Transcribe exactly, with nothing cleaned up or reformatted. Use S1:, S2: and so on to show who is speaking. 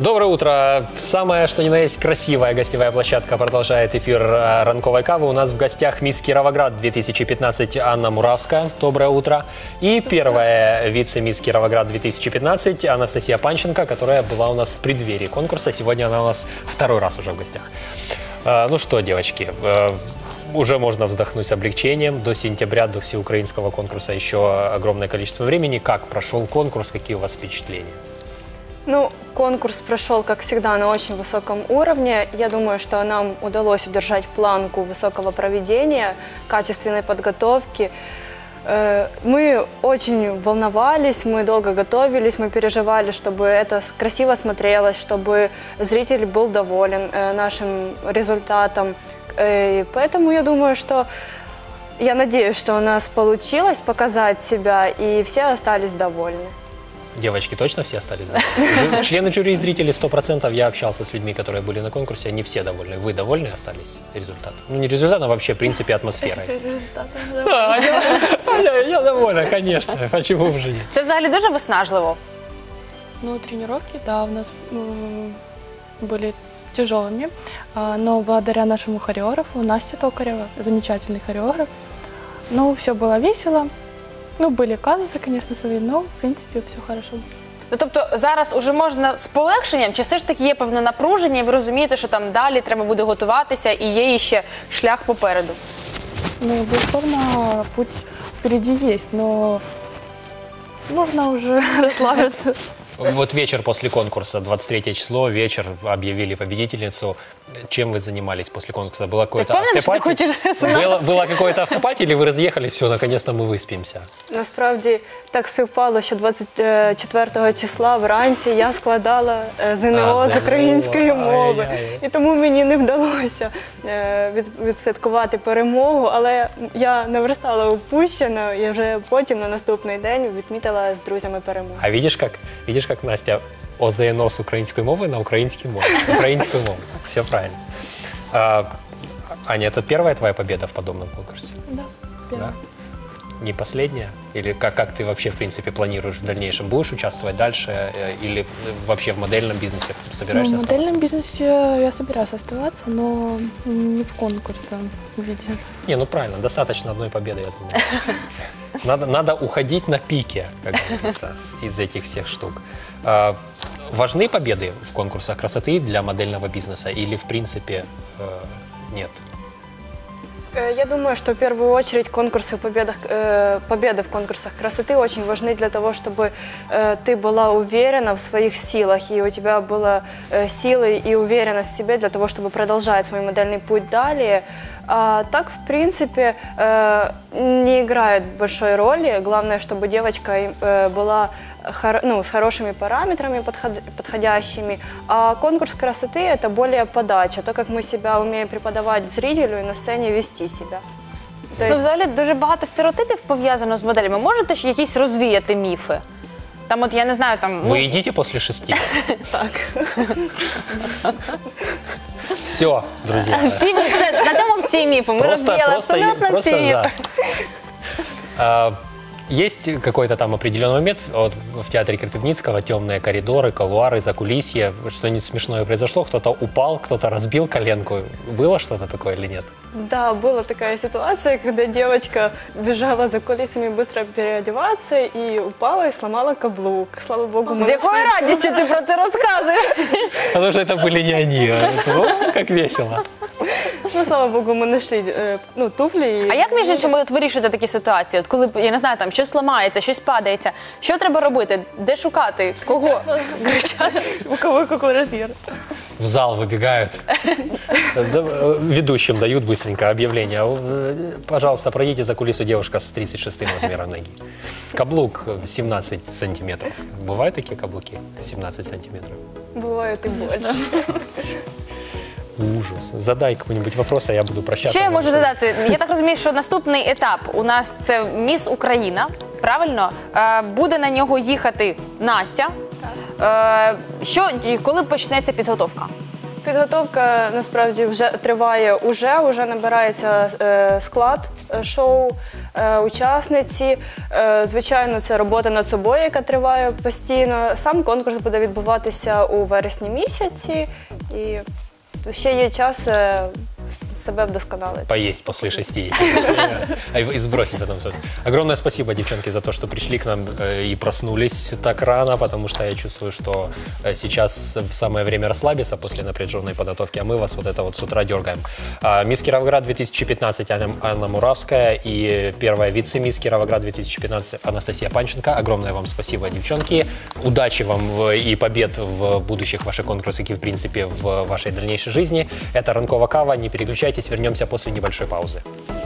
S1: Доброе утро. Самое, что ни на есть, красивая гостевая площадка продолжает эфир «Ранковой кавы». У нас в гостях мисс Кировоград две тысячи пятнадцать Анна Муравская. Доброе утро. И первая вице-мисс Кировоград две тысячи пятнадцать Анастасия Панченко, которая была у нас в преддверии конкурса. Сегодня она у нас второй раз уже в гостях. Ну что, девочки, уже можно вздохнуть с облегчением. До сентября, до всеукраинского конкурса еще огромное количество времени. Как прошел конкурс? Какие у вас впечатления?
S2: Ну, конкурс прошел, как всегда, на очень высоком уровне. Я думаю, что нам удалось удержать планку высокого проведения, качественной подготовки. Мы очень волновались, мы долго готовились, мы переживали, чтобы это красиво смотрелось, чтобы зритель был доволен нашим результатом. И поэтому я думаю, что я надеюсь, что у нас получилось показать себя, и все остались довольны.
S1: Девочки, точно все остались довольны? Члены жюри и зрители сто процентов. Я общался с людьми, которые были на конкурсе, они все довольны. Вы довольны остались результатом? Ну, не результатом, а вообще, в принципе, атмосферой.
S3: Результатом
S1: Да, я, я довольна, конечно. Почему в жизни?
S4: Це взагалі дуже виснажливо?
S3: Ну, тренировки, да, у нас м, были тяжелыми, а, но благодаря нашему хореографу, Насте Токаревой, замечательный хореограф, ну, все было весело. Ну, были казусы, конечно, свои, но, в принципе, все хорошо.
S4: Ну, тобто зараз уже можна з полегшенням, чи все ж таки є певне напруження, і ви розумієте, що там далі треба буде готуватися і є ще шлях попереду?
S3: Ну, безусловно, путь впереди есть, но нужно уже расслабиться.
S1: Вот вечер после конкурса, двадцать третье число, вечер, объявили победительницу. Чем вы занимались после конкурса? Было какое-то автопати? Было, было какое-то автопати, или вы разъехались, все, наконец-то мы выспимся?
S2: Насправді так співпало, що двадцять четвертого числа вранці я складала ЗНО
S1: А,
S2: з української
S1: ЗНО.
S2: мови.
S1: Ай-яй.
S2: І тому мені не вдалося е, від, відсвяткувати перемогу, але я наверстала упущено і вже потім на наступний день відмітила з друзями перемогу.
S1: А видишь, как, видишь, как Настя о ЗНО с украинской мовы на украинский мову. Украинскую мову. Все правильно. А, Аня, это первая твоя победа в подобном конкурсе?
S3: Да, первое.
S1: Да? Не последняя? Или как, как ты вообще, в принципе, планируешь в дальнейшем? Будешь участвовать дальше? э, Или вообще в модельном бизнесе собираешься
S3: Ну, в
S1: оставаться?
S3: модельном бизнесе я собираюсь оставаться, но не в конкурсном виде.
S1: Не, ну правильно, достаточно одной победы, я думаю. Надо, надо уходить на пике, как говорится, с- из этих всех штук. А, важны победы в конкурсах красоты для модельного бизнеса или, в принципе, э, нет?
S2: Э, Я думаю, что в первую очередь конкурсы, победах, э, победы в конкурсах красоты очень важны для того, чтобы э, ты была уверена в своих силах, и у тебя была э, силы и уверенность в себе для того, чтобы продолжать свой модельный путь далее. А так, в принципе, э, не играет большой роли. Главное, чтобы девочка э, была хор- ну, с хорошими параметрами подход- подходящими. А конкурс красоты – это более подача, то, как мы себя умеем преподавать зрителю и на сцене вести себя. То
S4: Ну,
S2: есть,
S4: взагалі, дуже багато стереотипів пов'язано з моделями. Можете ж якісь розвіяти міфи? Там от, я не знаю, там... ну,
S1: Вы едите после шести?
S2: так.
S1: Все, друзья.
S4: всі, все, на цьому всі міфи. Ми розвіяли абсолютно
S1: просто,
S4: всі міфи.
S1: да. А, Есть какой-то там определенный момент вот, в театре Крапивницкого, темные коридоры, колуары, закулисье, что-нибудь смешное произошло, кто-то упал, кто-то разбил коленку. Было что-то такое или нет?
S2: Да, была такая ситуация, когда девочка бежала за кулисами быстро переодеваться и упала и сломала каблук. Слава богу, мы
S4: З якою
S2: нашли-
S4: радістю ти про це розказуєш?
S1: Потому что это были не они. а о, как весело.
S2: Ну, слава богу, мы нашли э, ну, туфли. и-
S4: А як, між іншим, от вирішуєте такі ситуації? От коли, я не знаю, там щось ламається, щось падається, що треба робити? Де шукати? Кого? Кричати?
S3: У кого какой размер?
S1: В зал выбегают. Ведущим дают быстренько объявление. Э, Пожалуйста, пройдите за кулису девушка с тридцать шестым размером ноги. Каблук семнадцать сантиметров. Бывают такие каблуки? семнадцать сантиметров.
S2: Бывает и больше.
S1: Ужас. Задай какой-нибудь вопрос, а я буду прощаться.
S4: Що я можу задати? Я так розумію, що наступний етап у нас це Міс Україна, правильно? Е, Буде на нього їхати Настя. Е, Що, і коли почнеться підготовка?
S2: підготовка насправді вже триває уже, уже набирається е, склад е, шоу, е, учасниці. Е, звичайно, це робота над собою, яка триває постійно. Сам конкурс буде відбуватися у вересні місяці, і ще є час е, себе вдосконалити.
S1: Поесть после шести и сбросить потом. Огромное спасибо, девчонки, за то, что пришли к нам э, и проснулись так рано, потому что я чувствую, что э, сейчас самое время расслабиться после напряженной подготовки, а мы вас вот это вот с утра дергаем. А, Мисс Кировоград две тысячи пятнадцать Анна, Анна Муравская и первая вице-мисс Кировоград две тысячи пятнадцать Анастасия Панченко. Огромное вам спасибо, девчонки. Удачи вам в, и побед в будущих ваших конкурсах и, в принципе, в вашей дальнейшей жизни. Это Ранкова Кава. Не переключайтесь, вернемся после небольшой паузы.